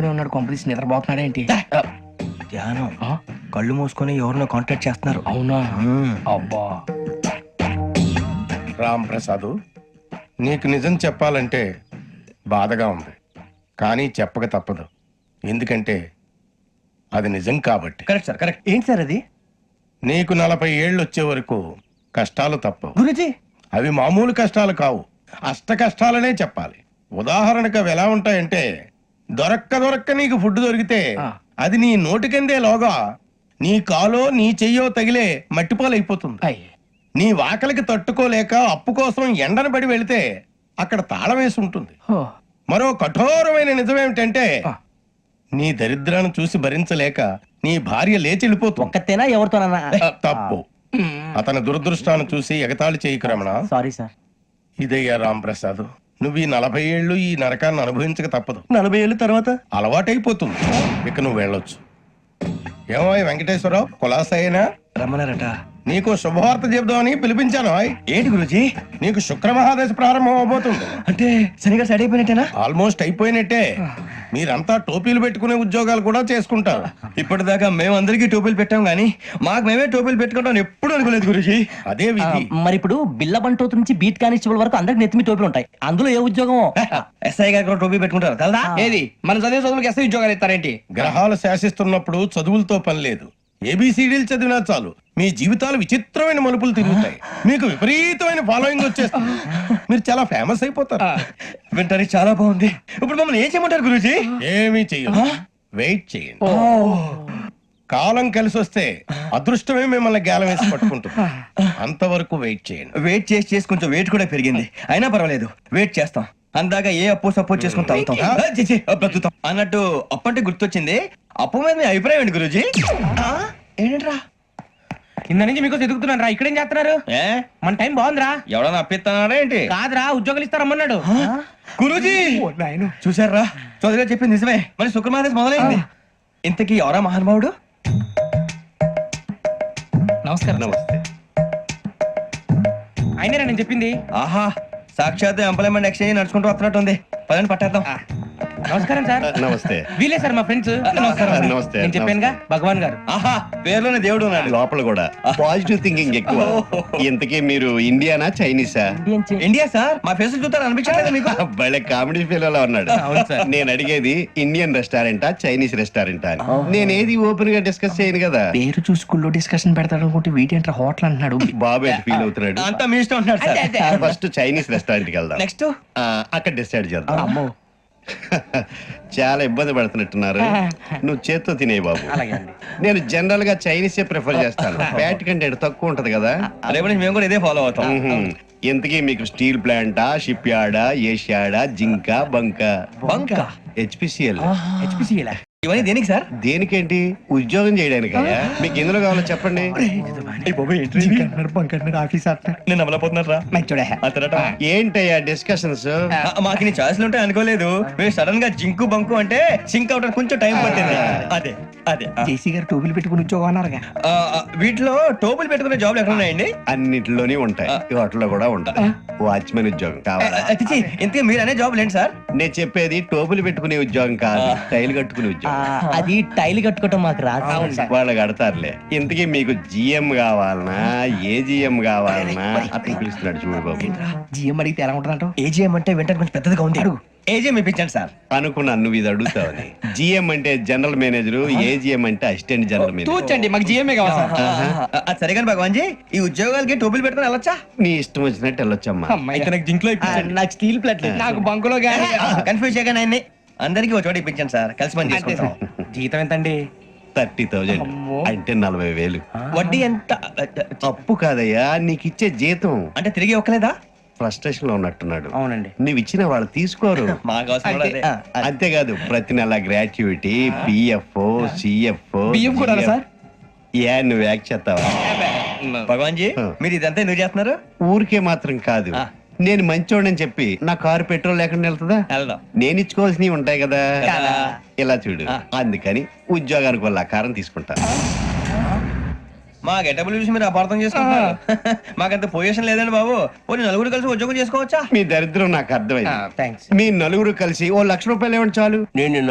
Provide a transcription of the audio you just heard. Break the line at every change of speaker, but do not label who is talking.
మేలుకునే ఉన్నాడు, కొంపదీసి నిద్రపోతున్నాడు ఏంటి?
ధ్యానం. కళ్ళు మూసుకొని ఎవరినో కాంటాక్ట్ చేస్తున్నారు.
అవునా? అబ్బా.
రామ్ ప్రసాద్, నీకు నిజం చెప్పాలంటే బాధగా ఉంది, కానీ చెప్పక తప్పదు. ఎందుకంటే అది నిజం కాబట్టి.
Correct sir, correct. ఏంటి సార్ అది?
నీకు 40 ఏళ్ళు వచ్చే వరకు కష్టాలు తప్పవు.
గురుజీ,
అవి మామూలు కష్టాలు కావు, అష్ట కష్టాలనే చెప్పాలి. ఉదాహరణకు అవి ఎలా ఉంటాయంటే, దొరక్క నీకు ఫుడ్ దొరికితే అది నీ నోటికందే లోగా నీ కాలో నీ చెయ్యో తగిలే మట్టిపాలైపోతుంది. నీ వాకలికి తట్టుకోలేక అప్పు కోసం ఎండను పడి వెళితే అక్కడ తాళం వేసి ఉంటుంది. మరో కఠోరమైన నిజమేమిటంటే, నీ దరిద్రాన్ని చూసి భరించలేక నీ భార్య లేచి వెళ్ళిపోతుంది.
ఒక్కతేనా ఎవరితోనన్నా?
తప్పు. అతని దురదృష్టాన్ని చూసి ఎగతాళి చేయకు రమణ.
Sorry sir.
ఇదయ్యా రాంప్రసాద్, నువ్వు ఈ 40 ఏళ్ళు ఈ నరకాన్ని అనుభవించక తప్పదు.
40 ఏళ్ళ తర్వాత
అలవాటైపోతుంది. ఇక నువ్వు వెళ్ళొచ్చు. ఏమో వెంకటేశ్వరరావు, కులాసైనా
రమ్మన్నారట.
నీకు శుభవార్త చెబుదామని పిలిపించాను.
ఏంటి గురుజీ?
నీకు శుక్రమహాదశ ప్రారంభం అవబోతుంది.
అంటే శనిగా సెట్ అయిపోయినట్టేనా?
ఆల్మోస్ట్ అయిపోయినట్టే. మీరంతా టోపీలు పెట్టుకునే ఉద్యోగాలు కూడా చేసుకుంటారు.
ఇప్పటిదాకా మేమందరికీ టోపీలు పెట్టాం గానీ మాకు మేమే టోపీలు పెట్టుకుంటాం ఎప్పుడు అనుకోలేదు గురుజీ.
అదే విధి.
మరి ఇప్పుడు బిల్ల బంటోతు నుంచి బీట్ కానిస్టేబుల్ వరకు అందరికి నెత్తిమి టోపీలు ఉంటాయి. అందులో ఏ ఉద్యోగం?
ఎస్ఐ గారు కూడా టోపీ పెట్టుకుంటారు కదా?
ఏది మన చదివే చదువులకు ఎస్ఐ ఉద్యోగాలు ఇస్తారేంటి?
గ్రహాలు శాసిస్తున్నప్పుడు చదువులతో పని లేదు. ఏబిసిడీలు చదివినా చాలు మీ జీవితాలు విచిత్రమైన మలుపులు తిరుగుతాయి. మీకు విపరీతమైన ఫాలోయింగ్ వచ్చేస్తుంది. మీరు చాలా ఫేమస్ అయిపోతారు.
వింటానికి చాలా బాగుంది. ఇప్పుడు మమ్మల్ని ఏం చేయమంటారు గురూజీ?
ఏమీ చెయ్యదు, వెయిట్ చేయండి. కాలం కలిసి వస్తే అదృష్టమే మిమ్మల్ని గేలం వేసి పట్టుకుంటుంది. అంతవరకు వెయిట్ చేయండి.
వెయిట్ చేసి కొంచెం వెయిట్ కూడా పెరిగింది. అయినా పర్వాలేదు, వెయిట్ చేస్తాం. అందాక ఏ అప్పు సపోర్ట్ చేసుకుని తాగుతాం. బ్రతుకుతాం అన్నట్టు అప్పు అంటే గుర్తొచ్చింది. అప్పు మీద మీ అభిప్రాయం ఏంటి గురూజీ? ఏంటరా
కింద నుంచి మీకు ఎదుగుతున్నాను రా. ఇక్కడేం చేస్తున్నారు? మన టైం బాగుందిరా.
ఎవడన్నా అప్పిస్తున్నాడా ఏంటి?
కాదురా, ఉద్యోగాలు ఇస్తారమ్మన్నాడు
గురూజీ. చూసారా, చౌదరిగా చెప్పింది నిజమే. మరి శుక్రమాదేశ్ మొదలైంది. ఇంతకీ ఎవరా మహానుభావుడు?
నమస్కారం.
నమస్తే.
అయినరా నేను చెప్పింది?
ఆహా, సాక్షాత్ ఎంప్లాయ్మెంట్ ఎక్స్చేంజ్ నడుచుకుంటూ వస్తున్నట్టు ఉంది. పదండి పట్టేద్దాం.
నమస్కారం సార్.
నమస్తే.
వీలే సార్ మా ఫ్రెండ్స్. నమస్కారం.
నమస్తే.
నేను చెప్పానుగా, భగవాన్ గారు.
ఆహా, పేర్లోనే దేవుడు ఉన్నాడు.
లోపల కూడా పాజిటివ్ థింకింగ్ ఎక్కువ. ఇంతకీ మీరు ఇండియానా చైనీసా?
India sir. మా ఫేస్ చూస్తారు అనిపించలేదు మీకు?
భలే కామెడీ ఫీల్ అలా ఉన్నాడు.
అవును సార్.
నేను అడిగేది ఇండియన్ రెస్టారెంటా చైనీస్ రెస్టారెంటా అని. నేనేది ఓపెన్ గా డిస్కస్ చేయను కదా.
పేరు చూసుకుల్లో డిస్కషన్ పెడతాడు అనుకుంటే వీటేంట్రా హోటల్ అంటున్నాడు.
బాబు ఎట్ ఫీల్ అవుతున్నాడు.
అంతా మీ ఇష్టం ఉంటున్నాడు సార్.
ఫస్ట్ చైనీస్ రెస్టారెంట్ కి వెళ్దాం.
నెక్స్ట్
అక్కడ డిసైడ్ చేద్దాం.
అమ్మో.
చాలా ఇబ్బంది పడుతున్నట్టున్నారు. నువ్వు చేత్తో తినే బాబు. నేను జనరల్ గా చైనీసే ప్రిఫర్ చేస్తాను. ఫ్యాట్ కంటెంట్ తక్కువ ఉంటది కదా.
రేపు నుంచి మేము కూడా ఇదే ఫాలో అవుతాం.
ఇంతకీ మీకు స్టీల్ ప్లాంటా, షిప్ యార్డా, ఏషియాడా, జింక, బంకా?
బంకా?
హెచ్పిసిఎల్.
హెచ్పిసిఎల్
ఇవన్నీ దేనికి సార్?
దేనికేంటి? ఉద్యోగం చేయడానికి. మీకు ఎందులో కావాలో చెప్పండి.
నేను అమలపోతున్నారా?
ఏంటయ్యా డిస్కషన్స్?
మాకు నీ ఛాయిస్లు ఉంటాయి అనుకోలేదు. మీరు సడన్ గా జింకు బంకు అంటే సింక్ అవడానికి కొంచెం టైం పట్టింది. అదే అదే
జేసీ గారు టోపీలు పెట్టుకుని ఉద్యోగం అన్నారుగా.
వీటిలో టోపులు పెట్టుకునే జాబ్లు ఎక్కడ ఉన్నాయండి?
అన్నిటిలోనే ఉంటాయి, వాటిలో కూడా ఉంటాయి. వాచ్మెన్ ఉద్యోగం కావాలా?
ఇంతకీ మీరు అనే జాబ్ ఏంటి సార్?
నేను చెప్పేది టోపులు పెట్టుకునే ఉద్యోగం కాదు, టైల్ కట్టుకునే ఉద్యోగం.
అది టైల్ కట్టుకోవటం మాకు రాదు.
వాళ్ళు కడతారులే. ఇంతకీ మీకు జిఎం కావాలనా, ఏ జిఎం కావాలనా? అతను పిలుస్తున్నాడు చూడు బాబు.
జిఎం అడిగితే ఎలా ఉంటుందంట?
ఏజీఎం అంటే వెంటనే కొంచెం పెద్దదిగా ఉంది. ఏజీఎం ఇప్పించండి సార్.
అనుకున్నాను నువ్వు ఇది అడుగుతావని. జిఎం అంటే జనరల్ మేనేజర్, ఏజిఎం అంటే అసిస్టెంట్ జనరల్ మేనేజర్.
తూచండి, మాకు జిఎంఏ కావాలి సార్.
అది సరే కానీ భగవాన్ జీ, ఈ ఉద్యోగాలకి టోపులు పెట్టుకుని వెళ్ళొచ్చా?
నీ ఇష్టం వచ్చినట్టు వెళ్ళొచ్చమ్మా.
నాకు జింక్ లో
నాకు స్టీల్ ప్లేట్
నాకు బంకులో గానీ.
కన్ఫ్యూజ్ చేయగానే ఆయన్ని అందరికి ఒక చోట ఇప్పించండి సార్. కలిసి పని చేసుకుంటాం.
జీతం ఎంతండి?
30,000 అంటే 40,000.
వడ్డీ ఎంత?
అప్పు కాదయ్యా, నీకు ఇచ్చే జీతం.
అంటే తిరిగి ఒక్కలేదా?
ఫ్రస్ట్రేషన్ లో ఉన్నట్టున్నాడు.
అవునండి.
నువ్వు ఇచ్చిన వాళ్ళు తీసుకోరు.
మాకు అవసరం కూడా అదే.
అంతేకాదు ప్రతి నెల గ్రాట్యుటీ, పిఎఫ్, సిఎఫ్.
బియ్యం కూడా సార్?
ఏ నువ్వు యాక్ట్ చేస్తావా?
భగవాన్ జీ, మీరు ఇదంతా ఎందుకు చేస్తున్నారు?
ఊరికే మాత్రం కాదు, నేను మంచోడని చెప్పి నా కారు పెట్రోల్ లేకుండా వెళ్తుందా?
వెళ్దాం.
నేను ఇచ్చుకోవాల్సినవి ఉంటాయి కదా.
కదా.
ఇలా చూడు, అందుకని ఉద్యోగానికి వాళ్ళ ఆకారం తీసుకుంటా.
మా గెటబుల్ చూసి మీరు అపార్థం చేసుకుంటున్నారు. మాకంత పొజిషన్ లేదండి బాబు. పోనీ నలుగురు కలిసి ఉద్యోగం చేసుకోవచ్చా?
మీ దరిద్రం నాకు అర్థమైంది.
థ్యాంక్స్.
మీ నలుగురు కలిసి ఓ 1,00,000 రూపాయలు ఇవ్వండి చాలు.
నేను